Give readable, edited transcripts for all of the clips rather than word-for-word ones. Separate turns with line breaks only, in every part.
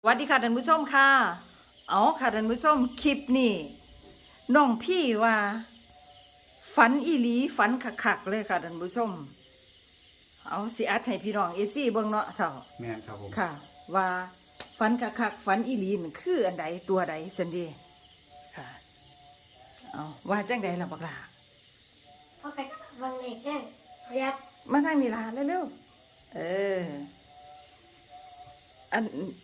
วัสดีค่ะท่านผู้ชมค่ะเอาค่ะท่านผู้ชมคลิปนี้น้องพี่ว่าฝันอีหลีฝันคักๆเลยค่ะท่านผู้ชมเอาสิอัดให้พี่น้องFCเบิ่งเนาะเถ่า
แม่นครับผม
ค่ะว่าฝันคักๆฝันอีหลีนั่นคืออันใดตัวใดสันเดีค่ะเอาว่าจังใดล่ะบักล่ะ
พอไปวางเล็กได้เรียบ
มาทางนี้ล่ะเร็วๆอัน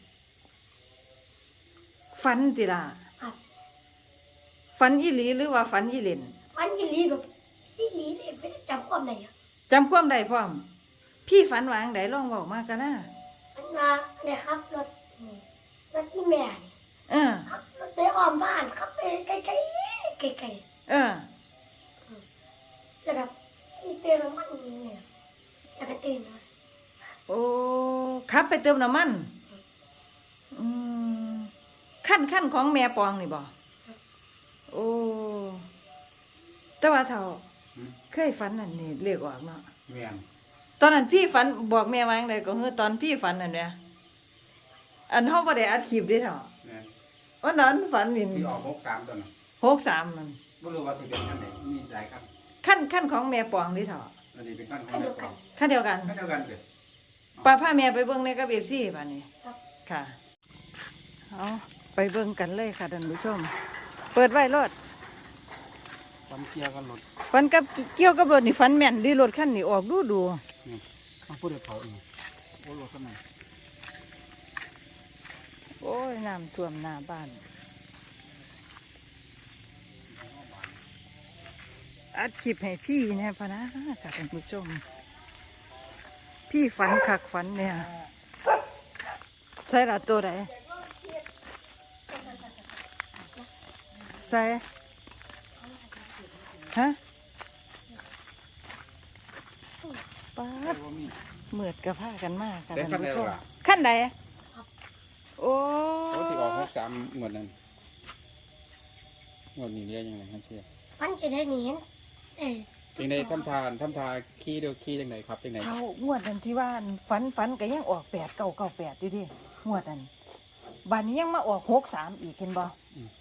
ฝันติล่ะ
ครับ
ฝันอีหลีหรือว่าฝันอีเล่น
ฟันยีรีแบบยีรีเนี่ยไม่ได้จำความได้อะ
จำความได้พร้อมพี่ฝันวาจั่งใดลองบอกมากันนะ
มันมาเนี่ยครับรถรถที่แม่นี่
เออ
ขับรถไปอ้อมบ้านขับไปไกลๆไกล
เออ
ๆแล้วแบบมีเตือนมันเนี่ยแล้วก็ตื่นมา
โอ้ขับไปเติมน้ำมันอืมขั้นของแม่ปองนี่บ่โอ้แต่ว่าเท่าเคยฝันอันนี้เรียกออกเนาะ
แม่น
ตอนนั้นพี่ฝันบอกแม่ว่าจั่งใดก็คือตอนพี่ฝันนั่นเนี่ยอันเฮาบ่ได้อัดคลิปเด้เท่า
แม่น
วันนั้นฝันวิน
ที่ออก63ตัวน่ะ
63นั่น
บ่รู้ว่าสิเป็นอันไหนมีหลายครับ
ขั้นของแม่ปองนี่เท่า
อันนี้เป็นขั้นของแม่ปอง
ขั้นเดียวกัน
ขั้นเดียวกันเด้อ
ป้าพาแม่ไปเบิ่งในกับ FC บัดนี้
ครับ
ค่ะเอาไปเบิ่งกันเลยค่ะท่านผู้ชมเปิดไว้รถ
ความเกี่ยวกันรถ
ฟันกับเกี่ยวกับรถนี่ฟันแม่นดีรถคันนี้ออกดู
นี่ต้องพูดให้เผาอีกโอ้รถคันนั้น
โอ้ยน้ำท่วมหน้าบ้านอัดคลิปให้พี่แน่พะนะค่ะท่านผู้ชมพี่ฝันคักฝันเนี่ยใส่ละตัวไหนใส่ฮะป้าดเหมือดกับผ้ากันมากค่ะท่านผู้ชมขั้นใดโอ้
รถที่ออก63หมดนั้นหมดนี้เรียกยังไงครับเชี่ย
ฟันจะได้หนีเอ้ย
จังได๋ทำทาขี่เด้อขี่จังไดครับจังได
เท่างวดนั้นที่ว่าฝันก็ยังออก8998ดิงวดนั้นบัดนี้ยังมาออก63อีกเห็นบ่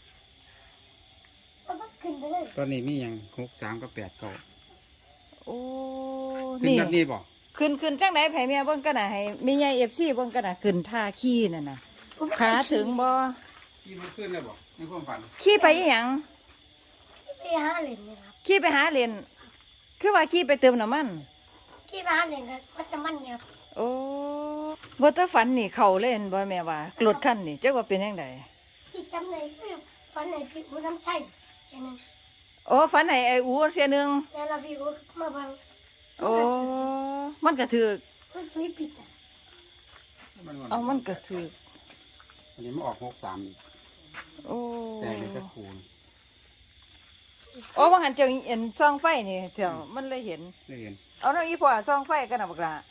ก็ขึ้นไปเลย
ตอนนี้มีหยัง63กับ89
โอ้
ขึ้นแบบนี้บ่
ขึ้นจังได๋ไผแม่เบิ่งกันน่ะให้แม่ใหญ่ FC เบิ่งกันน่ะขึ้นท่าขี่นั่นน่ะขาถึงบ่
ขี่มันขึ้นเลยบ่ในความฝัน
ขี่ไปอีหยัง
ไปหาเหรียญนะครับ
ขี่ไปหาเหรียญคือว่าขี่ไปเติมน้ำมัน
ขี่ไปหาเหรียญครับวัดน้ำมันเนี่ยครับ
โอ้บ่ตะฝันนี่เข้าเล่นบ่แม่ว่ารถคันนี่จักว่าเป็นจังได
ที่จำเลยคือฟันไหนพี่อูน้ำใช่แค่นั้น
โอ้ฝันให้ไอ้อูเสียหนึง
แล้วเราพี่อูมาบัง
โอ้มันก็ถูก
มันซื้อผิดอ่ะ
เอามันก็ถูก
อันนี้มันออก63อีก
โอ้
แต่เป็นตะคูณ
โอ้ว่าหันเจ้าเห็นซองไฟนี่เจ้ามันเลยเห็น
ได้เห็น
เอาเนาะอีพ่อซองไฟกันน่ะบักล่ะ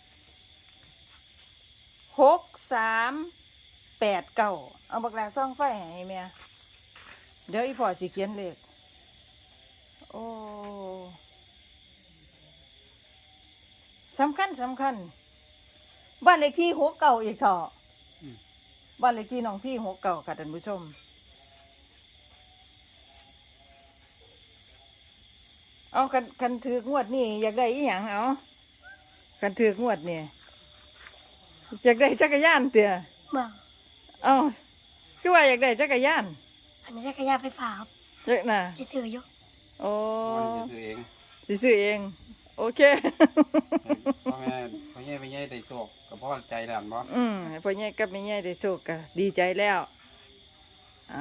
6389เอาบักล่ะซองไฟให้แม่เดี๋ยวอีพ่อสิเขียนเลขโอ้สำคัญบ้านเลขที่69อีกเถาะบ้านเลขที่น้องพี่69ค่ะท่านผู้ชมเอาคันถือกงวดนี่อยากได้อีหยังเอาคันถือกงวดนี่อยากได้จักรยานเตี่ย
มา
เอาคือว่าอยากได้จักรยาน
อันนี้จักรยานไฟฟ้าครับ
เยอะนะ
จะถืออยู่
โอ้
ซื้อเอง
ซื้อเองโอเค
พ่อแม่ได้โชคกับพ่อใจแล้วบ่
พ่อใหญ่กับแม่ใหญ่ได้โชคก็ดีใจแล้วเอา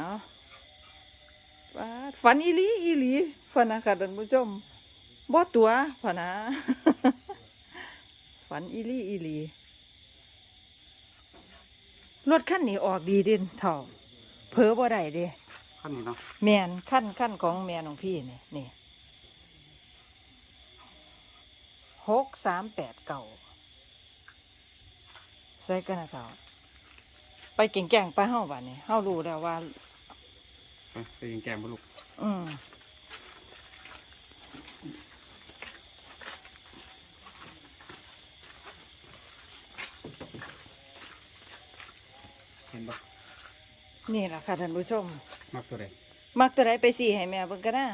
ฝันอีหลีพะนะค่ะท่านผู้ชมบ่ตัวพะนะ ฝันอีหลีรถคันนี้ออกดีเด่นเท่าเผลอบ่ได้เด้
คันนี้เนาะ
แม่นขั้นของแม่น้องพี่นี่6389ใส่กันนะเท่าไปเก่งๆไปเฮาบัดนี้เฮารู้แล้วว่า
ไปยิงแกมบ่ลูกห็นปะ
นี่ล่ะค่ะท่านผู้ชม
มักตัวใด
มักตัวใดไปสี่ให้แม่เบิ่งก็ได้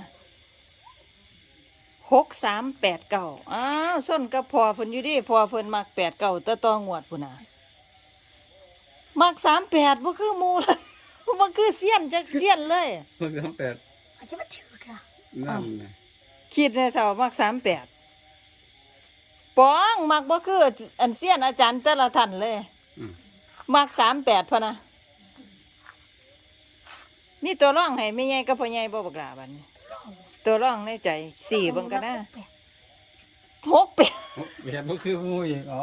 6389อ้าวส้นกับพ่อเพิ่นอยู่ดิพ่อเพิ่นมัก89แต่ต่องวดพุ่นน่ะมัก38บ่คือหมู่เลย บ่คือเสี้ยนจักเสี้ยนเลย
มัก38
อาจจะมาถือค่ะ
นั่นนะ
คิดในเท่ามัก38ปองมักบ่คืออันเสี้ยนอาจารย์แต่ละท่านเลย
อืม
มัก38พะนะมีตัวร่องให้แม่ใหญ่กับพ่อใหญ่บ่บักหลาบัดนี้ตัวร่องในใจสี่เบิ่งก็ได้68
โอ้เบียดบ่คือหมูอีกอ๋อ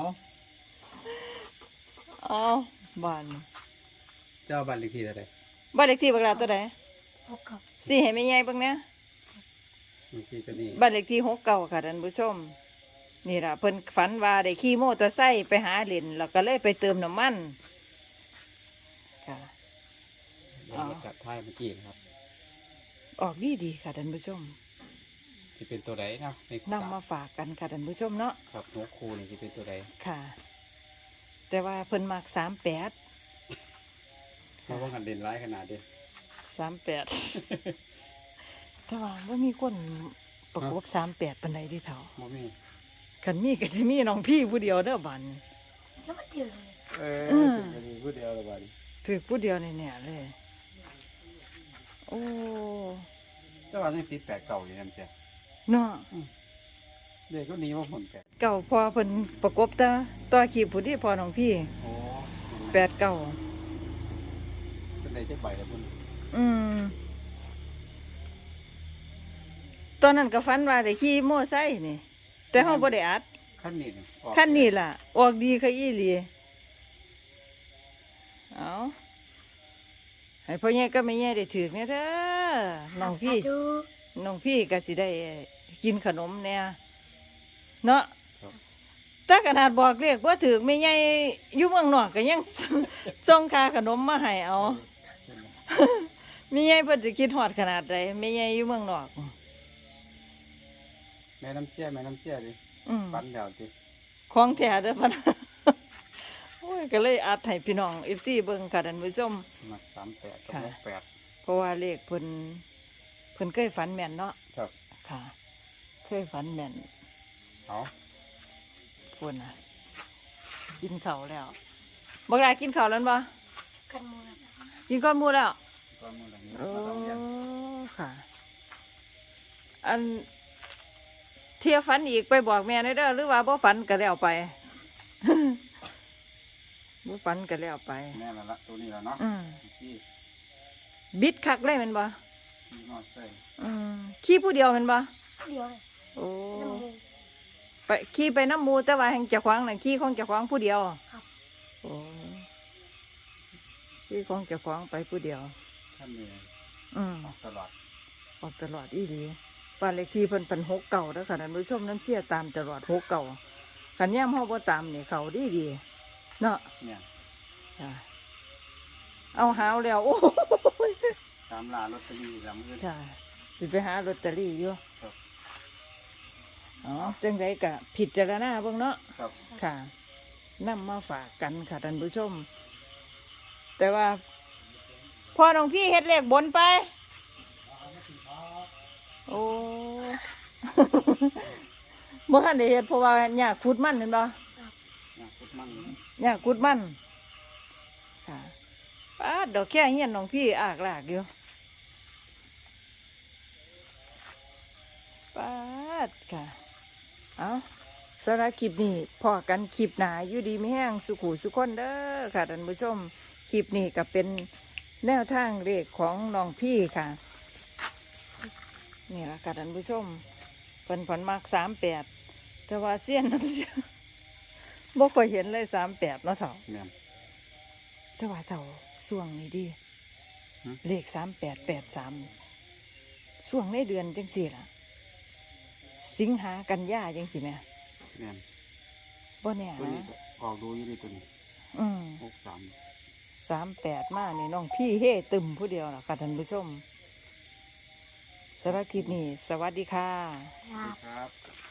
อ๋อบ้าน
เจ้าบ้านเลขที่เท่าใด
บ้านเลขที่บักหลาตัวใด
พบกับ
สี่ให้แม่ใหญ่เบิ่งนะ
เลขที่ตัวนี้
บ้านเลขที่69ค่ะท่านผู้ชมนี่ล่ะเพิ่นฝันว่าได้ขี่มอเตอร์ไซค์ไปหาเหรียญแล้วก็เลยไปเติมน้ำมันค่ะ
เดี๋ยวจัดท้ายเมื่อกี้นะครับ
ออกดีค่ะท่านผู้ชม
ที่เป็นตัวใดนะใน
นำมาฝากกันค่ะท่านผู้ชมเนาะ
ครับหัวคูนี่ที่เป็นตัวใด
ค่ะ แต่ว่าเพิ่นมัก38
เพราะว่ากันเด่นร้ายขนาดเดียว
38 แต่ว่าบ่มีคนประกบ38ปานใดเดิเฒ่า
บ่มี
คันมีก็สิมีน้องพี่ผู้เดียวเด้อบัดนี้
จะมาถือ
จะมีผู้เดียวละบาดนี้
ถือผู้เดียวแน่ๆเลย โอ้
แต่ว่ายังติด8 เก่าอยู่นั่นจ้ะ
เนาะ
เด็กก็หนีว่าผล8
เก่าพอเพิ่นประกบตาต่อขีบผู้ที่พอน้องพี่
โอ้
89
เป็นใดจะใบแล้วพุ่น
อืมตอนนั้นก็ฝันว่าได้ขี่มอไซค์นี่ แต่เฮาบ่ได้อัด
ขั้นนี้ออก
คันนี้ล่ะ ออกดีค่ะอีหลีเอาให้พ่อใหญ่ก็แม่ใหญ่ได้ถือเนี่ยเด้อน้องพี่
ดู
น้องพี่ก็สิได้กินขนมเนี่ยเนาะ
ครับ
แต่ขนาดบอกเรียกว่าถือแม่ใหญ่อยู่เมืองนอกก็ยัง ส่งค่าขนมมาให้เอาแม่ใหญ่เพิ่นจะคิดฮอดขนาดใดแม่ใหญ่อยู่เมืองนอก
แม่น้ำเชี่ยดิ
อืม
ปันเดียวดิ
ของแท้เด้อพัน โอ้ยก็เลยอัดให้พี่น้อง FC เบิ่งค่ะท่านผู้ชม
มัก38กับ
ค่ะ
68
เพราะว่าเลขเพิ่นเคยฝันแม่นเนาะ
ครับ
ค่ะ เคยฝันแม่น
เอา
พุ่นน่ะกินข้าวแล้วบักหลากินข้าวแล้วบ่
กันมูล
กินก้อนหมูแล้ว
ก็มื้อหลังนี้
โอ้
มาต้องเรียน
ค่ะ อันเที่ยวฝันอีกไปบอกแม่หน่อยเด้อหรือว่าบ่ฝันก็แล้วไป บ่ฝันก็แล้วไป
แม่นแล้วละตัวนี้แล้วเนาะ
อืม
ที่
บิดคักเลยแม่นบ่
ที่นอดใส่
อืมขี่ผู้เดียวแม่นบ่
เดียวเลย
โอ้
น้ำมู
ไปขี่ไปน้ำหมูแต่ว่าแห่งเจ้าของน่ะขี่ของเจ้าของผู้เดียว
ครับ
โอ้ขี่ของเจ้าของไปผู้เดียว
ท่านนี่
อืม
ออกตลอด
ออกตลอดอีหลีบ้านเลขที่เพิ่นเป็น6 เก่าแล้วค่ะท่านผู้ชมน้ำเชี่ยตามตลอด6 เก่าคันย่ำเฮาบ่ตามนี่เขาดีเนาะ
เนี่ย
จ้ะเอาหาวแล้ว โอ้ย
ตามล่าลอตเตอรี่หลังเงิน
จ้ะสิไปหาลอตเตอรี่อยู่
ครับ
อ๋อจังไดก็ผิดจารณาเบิ่งเนาะ
ครับ
ค่ะนำมาฝากกันค่ะท่านผู้ชม แต่ว่าพ่อน้องพี่เฮ็ดเลขบนไป โอ้ เมื่อคันได้เฮ็ดเพราะว่าหญ้าขุดมันเห็นบ่
นะพุทธมัน
หญ้าขุดมันค่ะป้าดดอกแค่เฮียนน้องพี่อากลากอยู่ป้าดค่ะเอาสำหรับคลิปนี้พอกันคลิปหนาอยู่ดีไม่แห้งสุขุสุขคนเด้อค่ะท่านผู้ชมคลิปนี้ก็เป็นแนวทางเลขของน้องพี่ค่ะนี่ละค่ะท่านผู้ชมเป็นผลมาก38แต่ว่าเสี้ยนน้ำเสียบ่ค่อยเห็นเลย38เนาะเถ่า
เนี่ย
แต่ว่าเถ่าส่วงนี้ดีเลข3883ส่วงในเดือนจังสี่ล่ะ สิงหากันยาจังสิแม่
เนี่ย
บ่แน่
ตัวนี้
นะ
ก็ออกดูอยู่ดีตัวนี้
อืม
63
38มานี่น้องพี่เฮ่ตึมผู้เดียวล่ะค่ะท่านผู้ชมสำหรับคลิปนี้ สวัสดีค่ะ
ครับ
ครับ